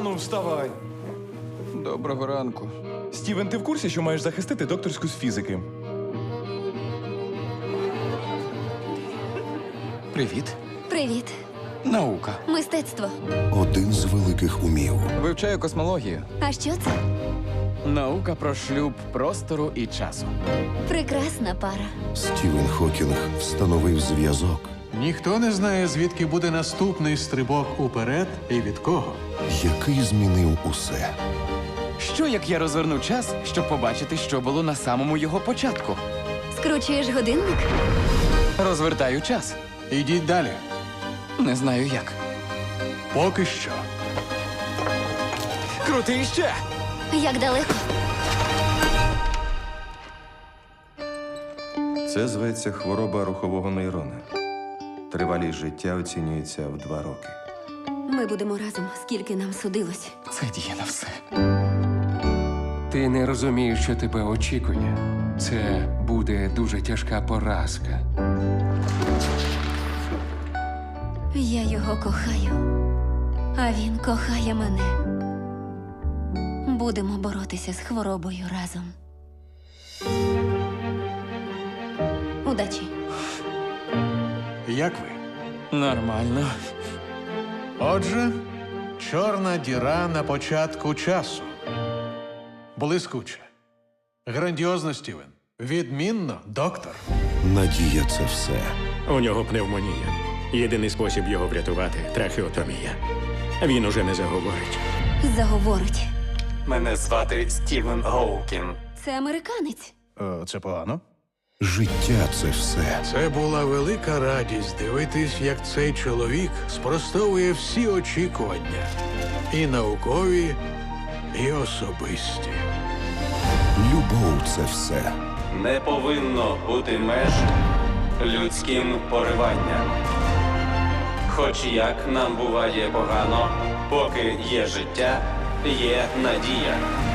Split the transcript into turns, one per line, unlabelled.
Ану, вставай.
Доброго ранку.
Стівен, ти в курсі, що маєш захистити докторську з фізики?
Привіт.
Привіт.
Наука.
Мистецтво.
Один з великих умів.
Вивчаю космологію.
А що це?
Наука про шлюб простору і часу.
Прекрасна пара.
Стівен Хокінг встановив зв'язок,
Ніхто не знає, звідки буде наступний стрибок уперед і від кого.
який змінив усе.
Що як я розверну час, щоб побачити, що було на самому його початку?
Скручуєш годинник?
Розвертаю час.
Ідіть далі.
Не знаю як.
Поки що.
Крути іще!
Як далеко?
Це зветься хвороба рухового нейрона. Тривалість життя оцінюється в 2 роки.
Ми будемо разом, скільки нам судилось.
Це діє на все.
Ти не розумієш, що тебе очікує. Це буде дуже тяжка поразка.
Я його кохаю, а він кохає мене. Будемо боротися з хворобою разом. Удачі.
Як ви?
Нормально.
Отже, чорна діра на початку часу. Блискуче. Грандіозно, Стівен. Відмінно, доктор.
Надія – це все.
У нього пневмонія. Єдиний спосіб його врятувати – трахеотомія. Він уже не заговорить.
Заговорить.
Мене звати Стівен Гоукін.
Це американець.
Це погано.
Життя – це все.
Це була велика радість дивитись, як цей чоловік спростовує всі очікування. І наукові, і особисті.
Любов – це все.
Не повинно бути меж людським пориванням. Хоч як нам буває погано, поки є життя, є надія.